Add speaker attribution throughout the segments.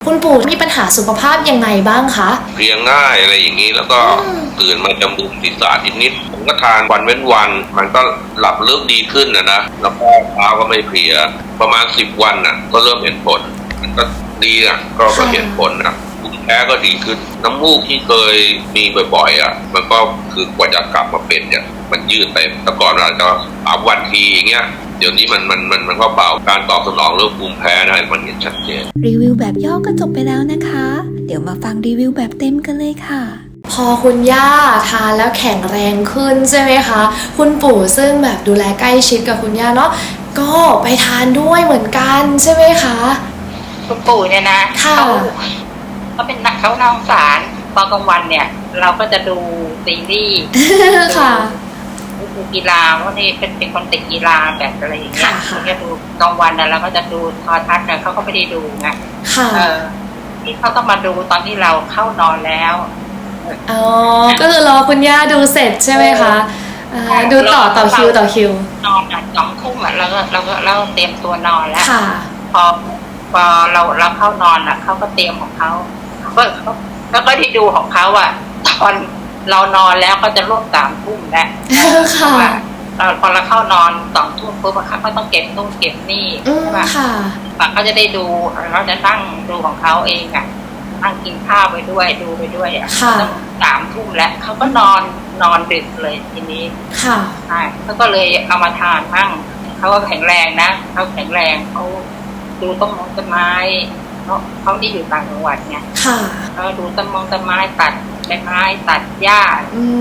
Speaker 1: คุณปู่มีปัญหาสุขภาพยังไงบ้างคะ
Speaker 2: เพลียง่ายอะไรอย่างนี้แล้วก็ตื่นมาจะมึนศีรษะนิดๆผมก็ทานวันเว้นวันมันก็หลับลึกดีขึ้นนะแล้วก็เช้าก็ไม่เพลียประมาณ10 วันก็เริ่มเห็นผลมันก็ดีก็เห็นผลภูมิแพ้ก็ดีขึ้นน้ำมูกที่เคยมีบ่อยๆมันก็คือกว่าจะกลับมาเป็นมันยืดไปแต่ก่อนเราจะ3 วันทีอย่างเงี้ยเดี๋ยวนี้มันก็เบาการตอบสนองเรื่องภูมิแพ้มันเห็นชัดเจน
Speaker 3: รีวิวแบบย่อก็จบไปแล้วนะคะ เดี๋ยวมาฟังรีวิวแบบเต็มกันเลยค่ะ
Speaker 1: พอคุณย่าทานแล้วแข็งแรงขึ้นใช่ไหมคะคุณปู่ซึ่งแบบดูแลใกล้ชิดกับคุณย่าเนาะก็ไปทานด้วยเหมือนกันใช่ไหมคะ
Speaker 4: คุณปู่เนี่ยนะเขาเป็นนักเขาน่าสงสารตอนกลางวันเนี่ยเราก็จะดูซีรีส์
Speaker 1: ค่ะ
Speaker 4: ดูกีฬาเพราะนี่เป็นคนติดกีฬาแบบอะไรอย่างเงี้ยเขาจะดูกลางวันเราก็จะดูโทรทัศน์เขาก็ไม่ได้ดูไงที่เขาต้องมาดูตอนที่เราเข้านอนแล้ว
Speaker 1: อ๋อก็คือรอคุณย่าดูเสร็จใช่ไหมคะดูต่อคิวน
Speaker 4: อน2 ทุ่มเราเตรียมตัวนอนแล้วพอเราเข้านอนเขาก็เตรียมของเขาแล้วก็ที่ดูของเขาตอนเรานอนแล้วก็จะร่วม3 ทุ่มแล้วพอเราเข้านอน2 ทุ่มปุ๊บเขาก็ต้องเก็บนู่นเก็บนี่ใช่ไหมเขาจะได้ดูเขาจะนั่งดูของเขาเองนั่งกินข้าวไปด้วยดูไปด้วยต้อง3 ทุ่มแล้วเขาก็นอนดึกเลยทีนี้ใช่เขาก็เลยเอามาทานมั่งเขาก็แข็งแรงนะเขาแข็งแรงเขาดูต้นไม้เขาที่อยู่ต่างจังหวัดไงเขาดูต้นไม้ตัดใบไม้ตัดหญ้า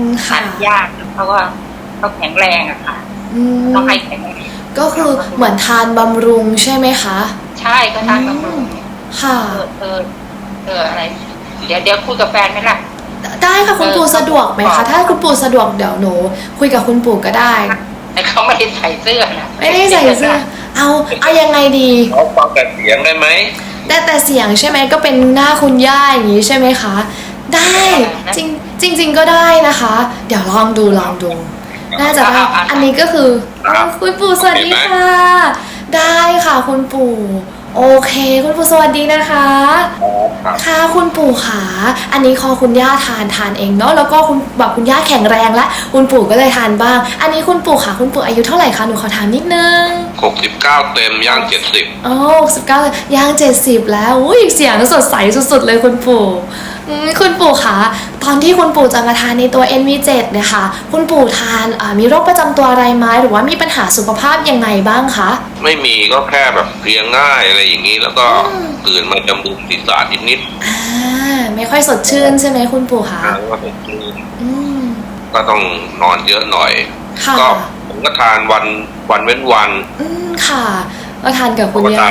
Speaker 4: เขาแข็งแรงค่ะต้องให้แข็งแรง
Speaker 1: ก็คือเหมือนทานบำรุงใช่ไหมคะ
Speaker 4: ใช่ก็ทานบำรุง
Speaker 1: ค่ะ
Speaker 4: อะไรเดี๋ยวคุยกับแฟนไหมล่ะ
Speaker 1: ได้ค่ะคุณปู่สะดวกไหมคะถ้าคุณปู่สะดวกเดี๋ยวหนูคุยกับคุณปู่ก็ได้
Speaker 4: แต่เขาไม่ได้ใส่เสื้อนะ
Speaker 1: ไม่ได้ใส่เสื้อเอายังไงดี
Speaker 2: เขาฟังแต่เสียงได้ไหม
Speaker 1: แต่เสียงใช่ไหมก็เป็นหน้าคุณย่าอย่างนี้ใช่ไหมคะได้จริงก็ได้นะคะเดี๋ยวลองดูน่าจะได้อันนี้ก็คือคุณปู่สวัสดีค่ะได้ค่ะคุณปู่โอเคคุณปู่สวัสดีนะคะค่ะคุณปู่ขาอันนี้คอคุณย่าทานเองเนาะแล้วก็คุณย่าแข็งแรงแล้วคุณปู่ก็เลยทานบ้างอันนี้คุณปู่ขาคุณปู่อายุเท่าไหร่คะหนูขอถามนิดนึง
Speaker 2: 69เต็มย่าง70
Speaker 1: อ๋อ69ย่าง70แล้วอุ้ยเสียงสดใสสุดๆเลยคุณปู่คุณปู่คะตอนที่คุณปู่จะมาทานในตัว NV7 เนี่ยค่ะคุณปู่ทานมีโรคประจำตัวอะไรไหมหรือว่ามีปัญหาสุขภาพยังไงบ้างคะ
Speaker 2: ไม่มีก็แค่แบบเพลียง่ายอะไรอย่างนี้แล้วก็ตื่นมาจะมึนศีรษะนิด
Speaker 1: ไม่ค่อยสดชื่นใช่ไหมคุณปู่คะ
Speaker 2: ก็สดชื่นก็ต้องนอนเยอะหน่อยก็ผมก็ทานวันเว้นวัน
Speaker 1: ค่ะก็ทานกับคุณย่า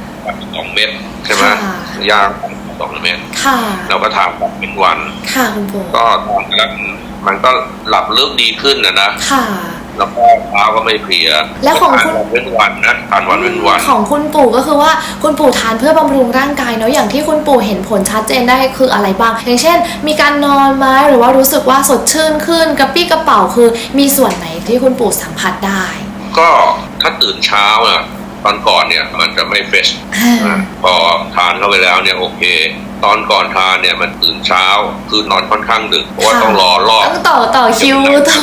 Speaker 2: 2 เม็ดใช่ไหมยา2 เม็ดเราก็ทานแบบเป็นวัน
Speaker 1: คุณปู่
Speaker 2: ก็ทานแล้วมันก็หลับลึกดีขึ้นนะแล้วก็เช้าก็ไม่เพลีย
Speaker 1: แล้วของคุณ
Speaker 2: เว้นวันทานวันเว้นวัน
Speaker 1: ของคุณปู่ก็คือว่าคุณปู่ทานเพื่อบำรุงร่างกายเนาะอย่างที่คุณปู่เห็นผลชัดเจนได้คืออะไรบ้างอย่างเช่นมีการนอนไหมหรือว่ารู้สึกว่าสดชื่นขึ้นกระปี้กระเป๋าคือมีส่วนไหนที่คุณปู่สัมผัสได้
Speaker 2: ก็ถ้าตื่นเช้าตอนก่อนเนี่ยมันจะไม่เฟรชพอทานเข้าไปแล้วเนี่ยโอเคตอนก่อนทานเนี่ยมันตื่นเช้าคือนอนค่อนข้างดึกเพราะว่าต้องรอรอบ
Speaker 1: ต้องต่อคิว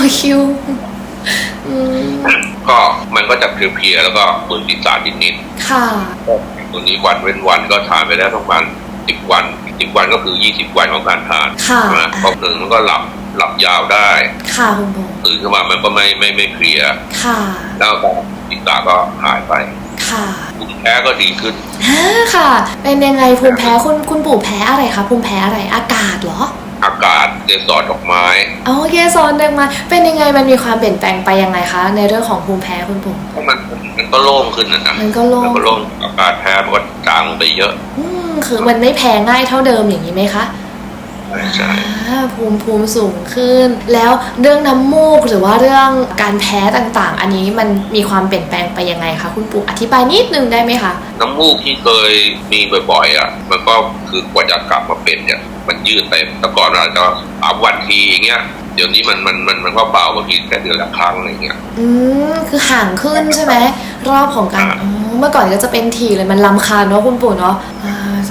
Speaker 2: ก็มันก็จะเพลียแล้วก็มึนศีรษะนิดๆตัวนี้วันเว้นวันก็ทานไปแล้วประมาณ10 วันก็คือ20 วันของการทานพอถึงมันก็หลับยาวได้
Speaker 1: คุณปู่
Speaker 2: ตื่นขึ้นมามันก็ไม่เพลียแล้วก็ศีรษะก็หายไปภูมิแพ้ก็ดีขึ้น
Speaker 1: ค่ะเป็นยังไงภูมิแพ้คุณปู่แพ้อะไรคะภูมิแพ้อะไรอากาศเหรอ
Speaker 2: อากาศเกสรดอกไม้
Speaker 1: เกสรดอกไม้เป็นยังไงมันมีความเปลี่ยนแปลงไปยังไงคะในเรื่องของภูมิแพ้คุณปู่
Speaker 2: มันก็โล่งขึ้นนะ
Speaker 1: มันก็โล่ง
Speaker 2: อากาศแพ้มันก็จางไปเยอะ
Speaker 1: คือมันไม่แพ้ง่ายเท่าเดิมอย่างนี้ไหมคะ
Speaker 2: ใช่
Speaker 1: ภูมิสูงขึ้นแล้วเรื่องน้ำมูกหรือว่าเรื่องการแพ้ต่างๆอันนี้มันมีความเปลี่ยนแปลงไปยังไงคะคุณปู่อธิบายนิดนึงได้ไหมคะ
Speaker 2: น้ำมูกที่เคยมีบ่อยๆมันก็คือกว่าจะกลับมาเป็นมันยืดไปแต่ก่อนเราจะ3 วันทีอย่างเงี้ยเดี๋ยวนี้มันก็เบาบางทีแค่เดือนละครั้งอะไรเงี้ย
Speaker 1: คือห่างขึ้นใช่ไหมรอบของการเมื่อก่อนก็จะเป็นทีเลยมันรำคาญเนาะคุณปู่เนาะ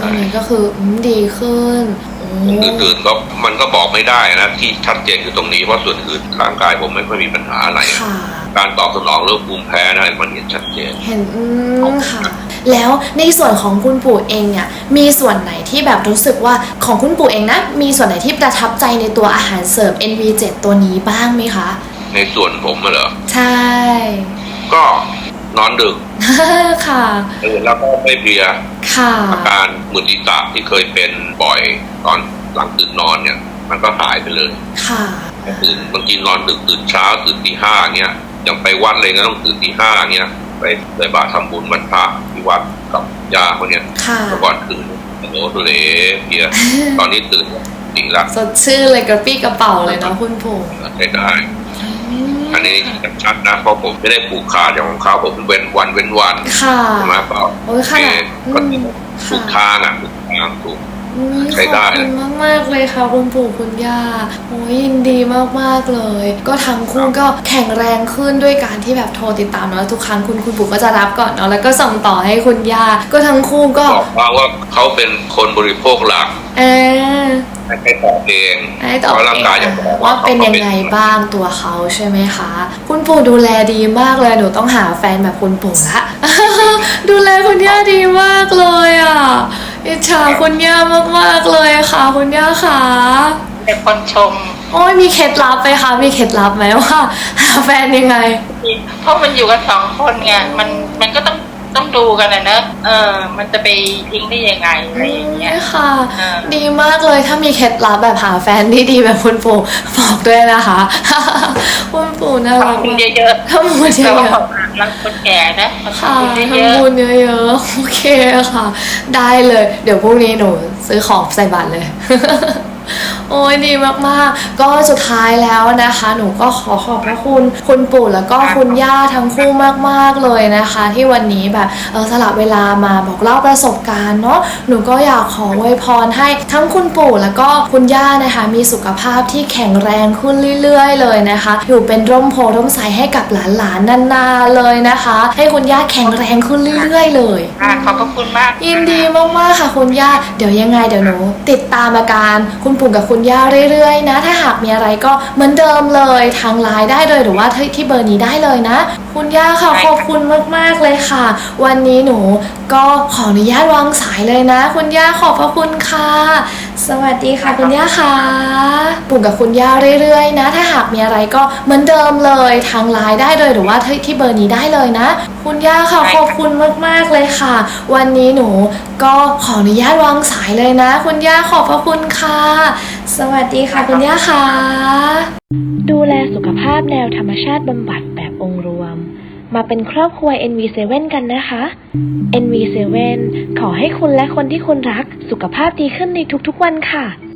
Speaker 1: ช่วงนี้ก็คือดีขึ้น
Speaker 2: อื่นๆก็มันก็บอกไม่ได้นะที่ชัดเจนคือตรงนี้เพราะส่วนอื่นร่างกายผมไม่ค่อยมีปัญหาอะไรการตอบสนองเรื่องภูมิแพ้นะมันเห็นชัดเจน
Speaker 1: เห็นค่ะแล้วในส่วนของคุณปู่เองเนี่ยมีส่วนไหนที่แบบรู้สึกว่าของคุณปู่เองนะมีส่วนไหนที่ประทับใจในตัวอาหารเสริม NV7 ตัวนี้บ้างไหมคะ
Speaker 2: ในส่วนผมเหรอ
Speaker 1: ใช่
Speaker 2: ก็นอนดึก
Speaker 1: ค่ะ
Speaker 2: แล้วก็ไม่เพลีย
Speaker 1: ค่ะ
Speaker 2: อาการมึนศีรษะที่เคยเป็นบ่อยตอนหลังตื่นนอนเนี่ยมันก็หายไปเลย
Speaker 1: ค่ะ
Speaker 2: ตื่นบางทีนอนดึกตื่นเช้าตื่นตี 5เงี้ยอย่างไปวัดเลยก็ต้องตื่นตี 5เงี้ยไปใส่บาตรทำบุญวันพระที่วัดกับยาคนเนี้ยก่อนตื่นโอ้โหเลยเพลียตอนนี้ตื่นดีละ
Speaker 1: สดชื่นเลยกระปี้กระเป๋าเลยเนาะคุณปู่
Speaker 2: ใช่ได้อันนี้ชัดนะเพราะผมไม่ได้ผูกขาดอย่างของเขาผมเว้นวัน
Speaker 1: ค่ะ
Speaker 2: มาเปล่า
Speaker 1: โอ้ยค่ะ
Speaker 2: ก็ถูกทางถูกทางถูกใช้ได้
Speaker 1: ขอบคุณมากๆเลยค่ะคุณปู่คุณย่าโอ้ยยินดีมากๆเลยก็ทั้งคู่ก็แข็งแรงขึ้นด้วยการที่แบบโทรติดตามเนาะทุกครั้งคุณปู่ก็จะรับก่อนเนาะแล้วก็ส่งต่อให้คุณย่าก็ทั้งคู่ก็
Speaker 2: บอกว่าเขาเป็นคนบริโภคหลักให้ตอบเอง
Speaker 1: เพราะร่างกายจะบอกว่าเป็นยังไงบ้างตัวเขาใช่ไหมคะคุณปู่ดูแลดีมากเลยหนูต้องหาแฟนแบบคุณปู่ละดูแลคุณย่าดีมากเลยอ่ะอิจฉาคุณย่ามากๆเลยค่ะคุณย่าค่ะ
Speaker 4: เป็นคนชม
Speaker 1: โอ้ยมีเคล็ดลับไหมคะมีเคล็ดลับไหมว่าหาแฟนยังไง
Speaker 4: เพราะมันอยู่กัน2 คนไงมันก็ต้องดูกันนะเนอะมันจะไปทิ้งได้ยังไงอะไรอย่างเงี้ย
Speaker 1: ค่ะดีมากเลยถ้ามีเคล็ดลับแบบหาแฟนที่ดีแบบคุณปู่บอกด้วยนะคะคุณปู่น่ารัก
Speaker 4: ทำบุญเยอะ
Speaker 1: ๆทำบุญเยอะ
Speaker 4: ๆรักคนแก่นะ
Speaker 1: ค่ะทำบุญเยอะๆโอเคค่ะได้เลยเดี๋ยวพรุ่งนี้หนูซื้อของใส่บาตรเลยโอ้ยดีมากๆก็สุดท้ายแล้วนะคะหนูก็ขอขอบพระคุณคุณปู่แล้วก็คุณย่าทั้งคู่มากๆเลยนะคะที่วันนี้แบบสละเวลามาบอกเล่าประสบการณ์เนาะหนูก็อยากขออวยพรให้ทั้งคุณปู่แล้วก็คุณย่านะคะมีสุขภาพที่แข็งแรงขึ้นเรื่อยๆเลยนะคะอยู่เป็นร่มโพร่มไทรให้กับหลานๆนานๆเลยนะคะให้คุณย่าแข็งแรงขึ้นเรื่อยๆเลย
Speaker 4: ขอบคุณมาก
Speaker 1: ยินดีมากๆค่ะคุณย่าเดี๋ยวยังไงเดี๋ยวหนูติดตามอาการคุณปู่กับคุณย่าเรื่อยๆนะถ้าหากมีอะไรก็เหมือนเดิมเลยทางไลน์ได้เลยหรือว่าที่เบอร์นี้ได้เลยนะคุณย่าค่ะขอบคุณมากๆเลยค่ะวันนี้หนูก็ขออนุญาตวางสายเลยนะคุณย่าขอบพระคุณค่ะสวัสดีค่ะคุณย่าค่ะปู่กับคุณย่าเรื่อยๆนะถ้าหากมีอะไรก็เหมือนเดิมเลยทางไลน์ได้เลยหรือว่าที่เบอร์นี้ได้เลยนะคุณย่าค่ะขอบคุณมากๆเลยค่ะวันนี้หนูก็ขออนุญาตวางสายเลยนะคุณย่าขอบพระคุณค่ะสวัสดีค่ะคุณย่าค่ะดูแลสุขภาพแนวธรรมชาติบำบัดแบบองค์รวมมาเป็นครอบครัว NV7 กันนะคะ NV7 ขอให้คุณและคนที่คุณรักสุขภาพดีขึ้นในทุกๆวันค่ะ